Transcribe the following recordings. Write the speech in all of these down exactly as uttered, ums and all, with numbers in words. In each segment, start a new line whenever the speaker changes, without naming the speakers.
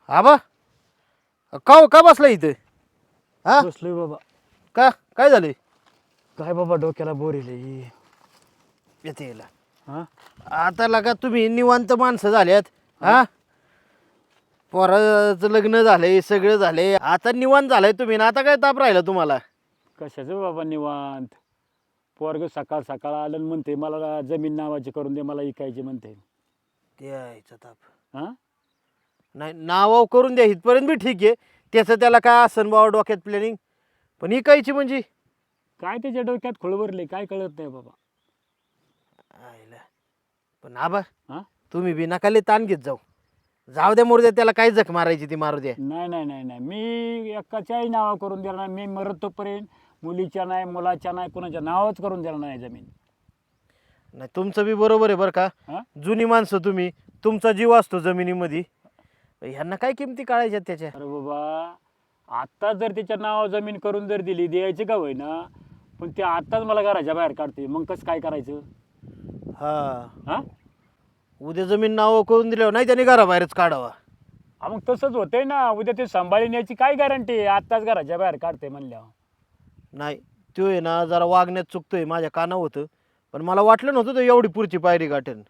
आबा का हो, का बसला इथं? हा
बसलोय बाबा.
का काय झालंय?
काय बाबा डोक्याला बोर येईल.
येते याला.
हा
आता लगा तुम्ही निवांत माणसं झाल्यात. हा पोराचं लग्न झालंय, सगळं झालंय, आता निवांत झालंय तुम्ही ना. आता काय ताप राहिला तुम्हाला?
कशाचं बाबा निवांत. पोरग सकाळ सकाळ आलं आणि म्हणते मला जमीन नावाची करून दे, मला इकायची म्हणते.
द्यायचा ताप
हा
नाही, नाव करून द्या इथपर्यंत बी ठीक आहे. त्याचं त्याला काय असन बाबा डोक्यात प्लॅनिंग, पण इकायची म्हणजे
काय त्याच्या डोक्यात खुळवरले काय कळत नाही बाबा.
आयला. पण आबा
हा
तुम्ही बी नका लय ताण घेत जाऊ. जाऊ द्या मोरू द्या, त्याला काय जख मारायची ती मारू द्या.
नाही नाही नाही नाही मी एकाच्याही नावा करून देणार नाही. मी मरत तोपर्यंत मुलीच्या नाही, मुलाच्या नाही, कोणाच्या नावच करून देणार नाही जमीन.
नाही तुमचं बी बरोबर आहे बरं का.
हा
जुनी माणसं तुम्ही, तुमचा जीव असतो जमिनीमध्ये. ह्यांना काय किमती काढायच्यात त्याच्या?
अरे बाबा आत्ता जर तिच्या नाव जमीन करून जर दिली द्यायची का होईना, पण ते आत्ताच मला घराच्या बाहेर काढते, मग कसं काय करायचं?
हा
हा
उद्या जमीन नाव करून दिल्यावर नाही त्याने घराबाहेरच काढावा.
हा, मग तसंच होतंय ना. उद्या ते सांभाळण्याची काय गॅरंटी आहे? आत्ताच घराच्या बाहेर काढते म्हणल्यावर.
नाही तो आहे ना जरा वागण्यात चुकतोय, माझ्या कानावर होतं, पण मला वाटलं नव्हतं तो एवढी पुढची पायरी गाठेन.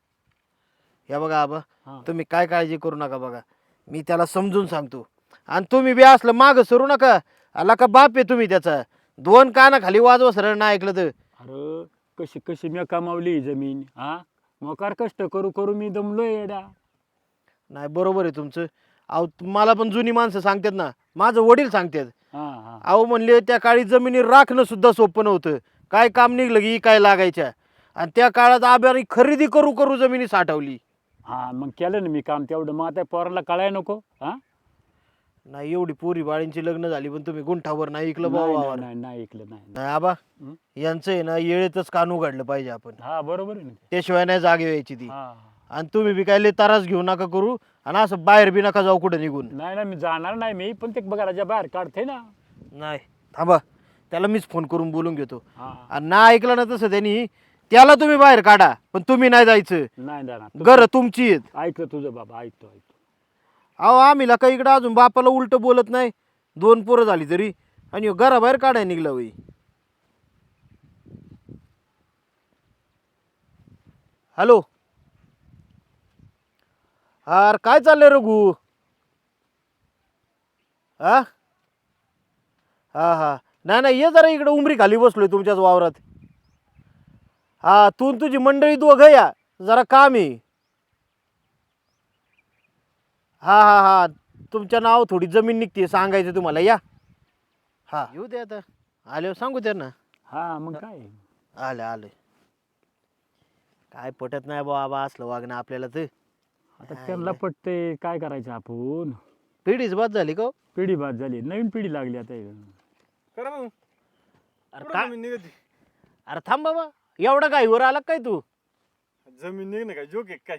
या बघा आबा,
हा
तुम्ही काय काळजी करू नका बघा, मी त्याला समजून सांगतो. आणि तुम्ही बी असलं मागं सरू नका. आला का बाप आहे तुम्ही त्याचा. दोन काना खाली वाजवा सरळ ना ऐकलं तर.
अरे कशी कशी मी कमावली ही जमीन. हा मोकार कष्ट करू करू मी दमलोय येडा.
नाही बरोबर आहे तुमचं. अहो मला पण जुनी माणसं सांगतात ना, माझं वडील सांगतात.
हा हा
अहो म्हणले त्या काळी जमिनी राखणं सुद्धा सोपं नव्हतं. काय काम निघलं की काय लागायच्या. आणि त्या काळात आब्याने खरेदी करू करू जमिनी साठवली.
हा मग केलं ना मी काम तेवढं. मग आता पोराला कळाय नको. हा
नाही एवढी पोरी बाळींची लग्न झाली, पण तुम्ही गुंठावर नाही ऐकलं
नाही
बाबा.
नाही नाही नाही ऐकलं नाही.
नाही आबा,
हं?
यांचं आहे ना येळेतच कान उघडलं पाहिजे आपण.
हा बरोबर आहे ना ते.
त्याशिवाय नाही जागे व्हायची ती.
हा
आणि तुम्ही बी काय लय त्रास घेऊ नका करू, आणि असं बाहेर बी नका जाऊ कुठं निघून.
नाही ना मी जाणार नाही मी, पण ते घराच्या बाहेर काढते ना.
नाही थांबा, त्याला मीच फोन करून बोलून घेतो.
हा
आणि ना ऐकलं ना तसं त्यांनी, त्याला तुम्ही बाहेर काढा, पण तुम्ही नाही जायचं.
नाही जाणार.
घर तुमची आहेत.
ऐकलं तुझं बाबा, ऐकतो ऐकतो.
अहो आम्ही का इकडं अजून बापाला उलट बोलत नाही. दोन पोरं झाली तरी, आणि ह्यो घराबाहेर काढाय निघला होई. हॅलो, अरे काय चाललंय रघु? हा हा हा नाही नाही, ये जरा इकडे उमरी खाली बसलोय तुमच्याच वावरात. हा तू आणि तुझी मंडळी दोघं या, जरा काम आहे. हा हा हा तुमच्या नाव थोडी जमीन निघते, सांगायचं तुम्हाला. या हा येऊ दे आता, आले सांगू त्यांना.
हा मग काय.
आले आले. काय पटत नाही बाबा असलं वागणं आपल्याला. तर
आता त्यांना पटते, काय करायचं आपण.
पिढीच बाद झाली का हो?
पिढी बाद झाली, नवीन पिढी लागली आता.
करा मग.
अरे
कुठं
का
जमीन निघते?
अरे थांब बाबा, एवढा गाईवर आला काय तू?
जमीन निघणं काय जोक आहे काय?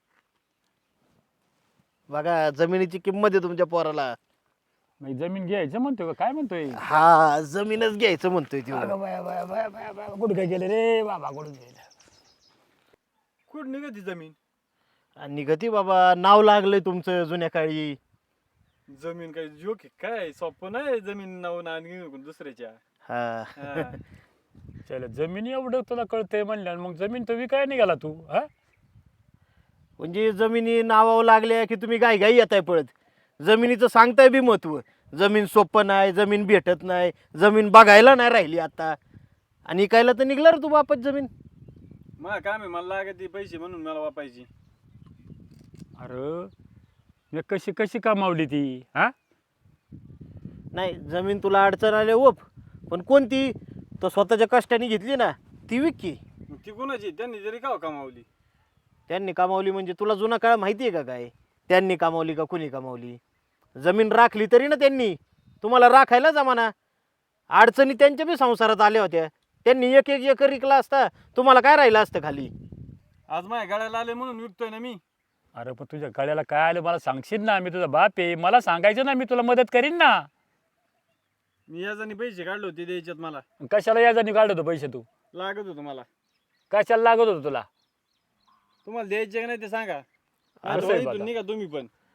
बघा जमिनीची किंमत आहे तुमच्या पोराला.
मग जमीन घ्यायचं म्हणतोय का? काय म्हणतोय?
हा जमीनच घ्यायचं म्हणतोय तो.
अगं बाया बाया बाया बाया बाया, कुठं काय गेले रे बाबा, कुठं गेले?
कुठं निघते जमीन?
आणि गती बाबा, नाव लागलंय तुमचं जुन्या काळी.
जमीन काय जोक आहे काय? सोपं नाही जमीन नाव ना निघून दुसऱ्याच्या.
हा
हा.
चल जमीन एवढं तुला कळतंय म्हणल्या, मग जमीन तर विकाय निघाला तू. हा
म्हणजे जमिनी नावावर लागल्या की तुम्ही गाई गाई येताय पळत. जमिनीचं सांगताय बी महत्व. जमीन सोपं नाही, जमीन भेटत नाही, जमीन बघायला नाही राहिली आता, आणि इकायला तर निघला रे तू बापच जमीन.
मला काम आहे, मला लागते पैसे म्हणून मला वापायची.
अरे मी कशी कशी कमावली ती. हा
नाही जमीन तुला अडचण आल्या ओप, पण कोणती? तो स्वतःच्या कष्टाने घेतली ना, ती विक.
मग ती कोणाची? त्यांनी जरी का कमावली?
त्यांनी कमावली म्हणजे तुला जुना काळ माहिती आहे का काय? त्यांनी कमावली का कुणी कमावली? जमीन राखली तरी ना त्यांनी, तुम्हाला राखायला जमाना. अडचणी त्यांच्या बी संसारात आल्या होत्या. त्यांनी एक एक एकर विकला असता, तुम्हाला काय राहिलं असतं खाली?
आज माझ्या गाड्याला आले म्हणून विकतोय ना मी.
अरे पण तुझ्या गळ्याला काय आलं मला सांगशील ना, मी तुझा बाप आहे, मला सांगायचं ना, मी तुला मदत करीन ना.
मी याजाने पैसे काढले होते द्यायच्यात मला.
कशाला याजाने काढत होतो पैसे तू?
लागत होतं मला.
कशाला लागत होतो तुला?
तुम्हाला द्यायचे का नाही ते सांगा.
असं आहे
नाहीतर
बघा.
इथून निघा तुम्ही पण.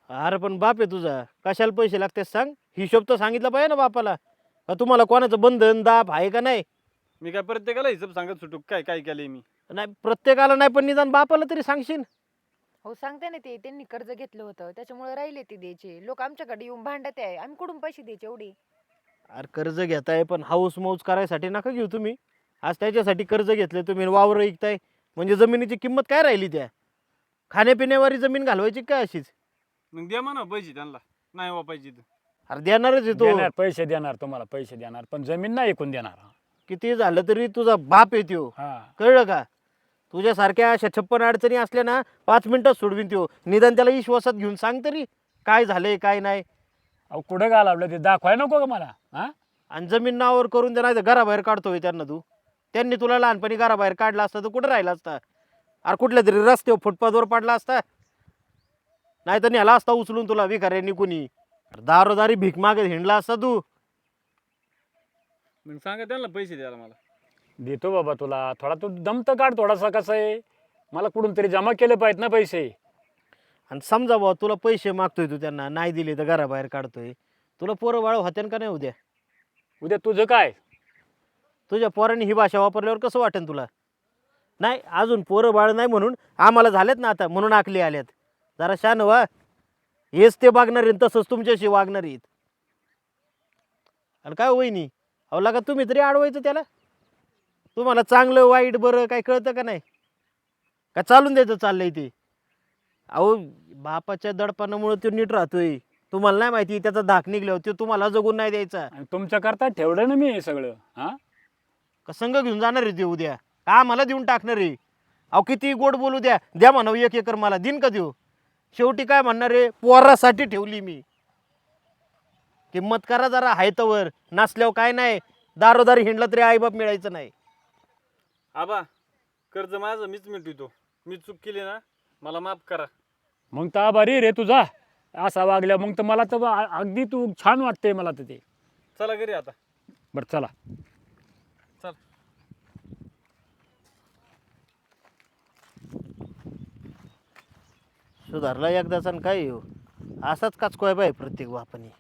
अरे पण बाप आहे तुझा, कशाला पैसे लागते सांग? हिशोब तर सांगितला पाहिजे ना बापाला. का तुम्हाला कोणाचं बंधन दाब आहे का नाही?
मी काय प्रत्येकाला हिशोब सांगत सुटू काय काय केलंय मी?
नाही प्रत्येकाला नाही, पण निदान बापाला तरी सांगशील.
हो सांगते ना, ते त्यांनी कर्ज घेतलं होतं त्याच्यामुळे राहिले ते द्यायचे. लोक आमच्याकडे येऊन भांडत आहे, आम्ही कुठून पैसे द्यायचे एवढे?
अरे कर्ज घेताय पण हाऊस मौज करायसाठी नका घेऊ तुम्ही. आज त्याच्यासाठी कर्ज घेतले तुम्ही, वावर विकताय म्हणजे जमिनीची किंमत काय राहिली? त्या खाण्यापिण्यावारी जमीन घालवायची काय अशीच?
मग द्या म्हणा पैसे त्यांना, नाही वापायची तर.
अरे देणारच आहे तो.
देणार, पैसे देणार, तुम्हाला पैसे देणार, पण जमीन नाही ऐकून देणार.
किती झालं तरी तुझा बाप आहे त्यो,
हा
कळलं का? तुझ्यासारख्या अशा छप्पन अडचणी असल्या ना पाच मिनिटात सोडवीन त्यो. निदान त्याला विश्वासात घेऊन सांग तरी काय झालंय काय नाही.
अहो कुठं घालावलं ते दाखवाय नको का मला? हा
आणि जमीन नावावर करून दे, नाही तर घराबाहेर काढतोय त्यांना तू. त्यांनी तुला लहानपणी घराबाहेर काढला असता तर कुठं राहिला असता? अरे कुठल्या तरी रस्त्यावर फुटपाथवर पडला असता, नाही तर न्याला असता उचलून तुला भिकाऱ्यांनी कुणी. दारोदारी भीक मागत हिंडला असता तू.
मग सांगा त्यांना पैसे द्यायला मला.
देतो बाबा तुला. थोडा तू दम तर काढ थोडासा. कसं आहे, मला कुठून तरी जमा केले पाहिजेत ना पैसे.
आणि समजा बाबा तुला पैसे मागतोय तू, त्यांना नाही दिले तर घराबाहेर काढतोय. तुला पोरं बाळ होत्यान का नाही उद्या?
उद्या तुझं काय?
तुझ्या पोरांनी ही भाषा वापरल्यावर कसं वाटेल तुला? नाही अजून पोरं बाळ नाही म्हणून आम्हाला झालेत ना आता, म्हणून आकली आल्यात. जरा शान व्हा. हेच ते वागणार आहेत तसंच तुमच्याशी वागणार आहेत. आणि काय वहिनी, अहो लागा तुम्ही तरी अडवायचं त्याला. तुम्हाला चांगलं वाईट बरं काय कळतं का नाही? का चालून द्यायचं चाललंय ते? अहो बापाच्या दडपणामुळे तो नीट राहतोय. तुम्हाला नाही माहिती त्याचा धाक निघल्यावर तो तुम्हाला जगून नाही द्यायचा.
आणि तुमच्या करता ठेवलं ना मी हे सगळं. हा
का संघ घेऊन जाणार आहे ते उद्या? का आम्हाला देऊन टाकणार आहे? अहो किती गोड बोलू द्या, द्या म्हणावं एक एकर मला, दिन का देऊ? शेवटी काय म्हणणार आहे, पोरासाठी ठेवली मी. किंमत करा जरा हायतवर, नसल्यावर काय नाही. दारोदारी हिंडला तरी आईबाप मिळायचं नाही.
आबा कर्ज माझं मीच मिटवितो. मी चूक केली ना, मला माफ करा.
मग तर आभारी रे तुझा. असा वागल्या मग तर मला तर अ- अगदी तू छान वाटते मला तर ते.
चला घरी आता.
बरं चला.
चल.
सुधारला एकदाचा आणि काय येऊ, असाच काचकोय बाय प्रत्येक बापाने.